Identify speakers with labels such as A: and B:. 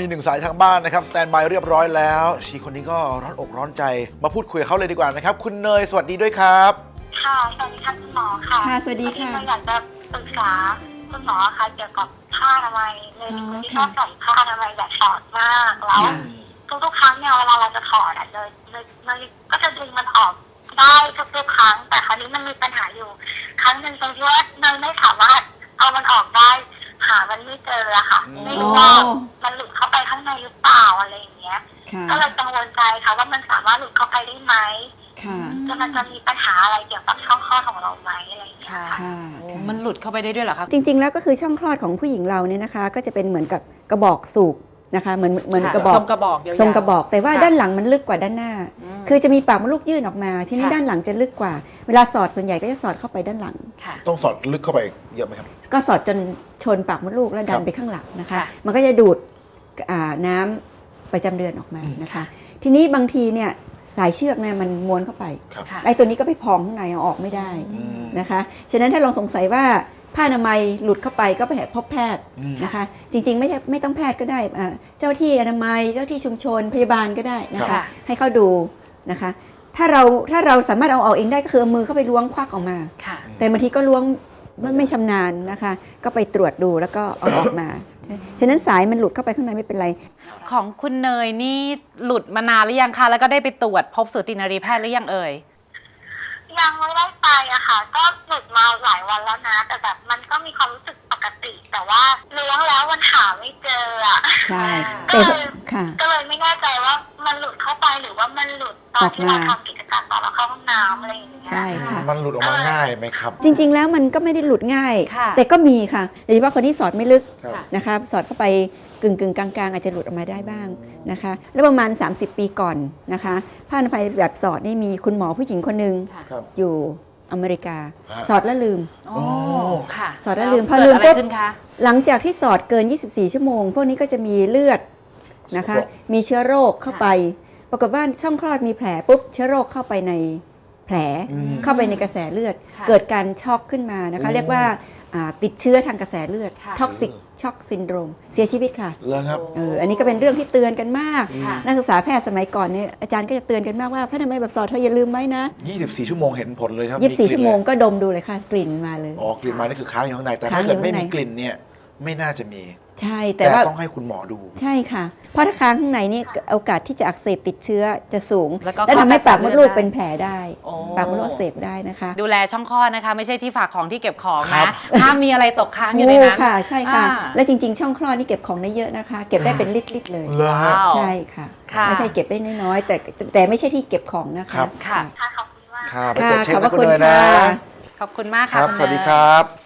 A: มี1 สายทางบ้านนะครับสแตนบายเรียบร้อยแล้วชีคนนี้ก็ร้อนอกร้อนใจมาพูดคุยกับเขาเลยดีกว่านะครับคุณเนยสวัสดีด้วยครับ
B: ค่ะสวัสดีค่ะคุณหมอค่ะ
C: ค่ะสวัสดีค่ะ
B: เราอยากจะปรึกษาคุณหมอค่ะเกี่ยวกับผ้าอนามัยเลยคนที่ชอบใส่ผ้าอนามัยแบบถอดมากแล้วทุกๆครั้งเนี่ยเวลาเราจะถอดเลยก็จะดึงมันออกได้ทุกๆครั้งแต่ครั้งนี้มันมีปัญหาอยู่ครั้งหนึ่งตรงที่ว่าเนยไม่สามารถเอามันออกได้หามันไม่เจออะค่ะไม่รู้ว่ามันหลุดเข้าไปข้างในหรือเปล่าอะไรอย่างเงี้ยก็เลยกังวลใจค่ะว่ามันสามารถหลุดเข้าไปได้ไหมจะมันจะมีปัญหาอะไรเกี่ยวกับช่องคลอดของเราไหมอะไรอย่างเงี้ยค่ะ
D: มันหลุดเข้าไปได้ด้วยเหรอคะ
C: จริงๆแล้วก็คือช่องคลอดของผู้หญิงเราเนี่ยนะคะก็จะเป็นเหมือนกับกระบอกสูบนะคะเหมือนกระบอก
D: ทรงกระบอก
C: ทรงกระบอกแต่ว่าด้านหลังมันลึกกว่าด้านหน้าคือจะมีปากมดลูกยื่นออกมาที่นี่ด้านหลังจะลึกกว่าเวลาสอดส่วนใหญ่ก็จะสอดเข้าไปด้านหลัง
A: ต้องสอดลึกเข้าไปเยอะไหมครับ
C: ก็สอดจนชนปากมดลูกแล้วดันไปข้างหลังนะคะมันก็จะดูดน้ำประจำเดือนออกมานะคะทีนี้บางทีเนี่ยสายเชือกเนี่ยมันม้วนเข้าไปไอ้ตัวนี้ก็ไปพองข้างในเอาออกไม่ได้นะคะฉะนั้นถ้าลองสงสัยว่าผ้าอนามัยหลุดเข้าไปก็ไปพบแพทย์นะคะจริงๆไม่ต้องแพทย์ก็ได้เจ้าที่อนามัยเจ้าที่ชุมชนพยาบาลก็ได้นะคะให้เขาดูนะคะถ้าเราสามารถเอาออกเองได้ก็คือเอามือเข้าไปล้วงควักออกมาแต่บางทีก็ล้วงไม่ชำนาญนะคะก็ไปตรวจดูแล้วก็เอาออกมาฉะนั้นสายมันหลุดเข้าไปข้างในไม่เป็นไร
D: ของคุณเนยนี่หลุดมานานหรือยังคะแล้วก็ได้ไปตรวจพบสูตินรีแพทย์หรือยังเอ่ย
B: ยังไม่ได้ไปอะค่ะก็หลุดมาหลายวันแล้วนะแต่แบบมันก็มีความรู้สึกปกติแต่ว่าล้วงแล้วมันหาไม่เจออะ
C: ใช่
B: ก็เลยไม่แน่ใจว่ามันหลุดเข้าไปหรือว่ามันหลุดตอนที่เราทำกิจกรรมตอนเราเข้าห้องน้ำอะไรอย่างเงี้ย
C: ใช่ค่ะ
A: มันหลุดออกมาง่ายไหมครับ
C: จริงๆแล้วมันก็ไม่ได้หลุดง่ายแต่ก็มีค่ะโดยเฉพาะคนที่สอดไม่ลึกนะคะสอดเข้าไปกึ่งกลางๆอาจจะหลุดออกมาได้บ้างนะคะแล้วประมาณ30 ปีก่อนนะคะผ้าอนามัยแบบสอดนี่มีคุณหมอผู้หญิงคนหนึ่งอยู่อเมริกาสอดแล้วลืมสอดแล้วลืมพอลืมปุ๊บหลังจากที่สอดเกิน24 ชั่วโมงพวกนี้ก็จะมีเลือดนะคะมีเชื้อโรคเข้าไปปรากฏว่าช่องคลอดมีแผลปุ๊บเชื้อโรคเข้าไปในแผลเข้าไปในกระแสเลือดเกิดการช็อกขึ้นมานะคะเรียกว่าติดเชื้อทางกระแสเลือดท็อกซิกช็อกซินโดรมเสียชีวิตค่ะ
A: ครับ
C: อันนี้ก็เป็นเรื่องที่เตือนกันมากนักศึกษาแพทย์สมัยก่อนเนี่ยอาจารย์ก็จะเตือนกันมากว่าผ้าอนามัยแบบสอดเธออย่าลืมไว้นะ
A: 24 ชั่วโมงเห็นผลเลยครับ
C: 24 ชั่วโมงก็ดมดูเลยค่ะกลิ่นมาเลย
A: กลิ่นมานี่คือค้างอยู่ข้างในแต่ถ้าเกิดไม่มีกลิ่นเนี่ยไม่น่าจะมี
C: ใช่แต่ว่า
A: ต้องให้คุณหมอดู
C: ใช่ค่ะเพราะถ้าค้างข้างในนี่โอกาสที่จะอักเสบติดเชื้อจะสูงและทำให้ปากมดลูกเป็นแผลได้ปากมดลูกอักเสบได้นะคะ
D: ดูแลช่องคลอดนะคะไม่ใช่ที่ฝากของที่เก็บของนะห้ามมีอะไรตกค้างอยู่ในนั้น
C: ค่ะใช่ค่ะและจริงๆช่องคลอดนี่เก็บของได้เยอะนะคะเก็บได้เป็นลิตรเลยใช่ค่ะไม่ใช่เก็บได้น้อยๆแต่ไม่ใช่ที่เก็บของนะคะ
A: ค่ะ
B: ขอบคุณมาก
A: ค่ะไปตรวจเช็คนะคุณเนยนะ
D: ขอบคุณมากค่ะ
A: สวัสดีครับ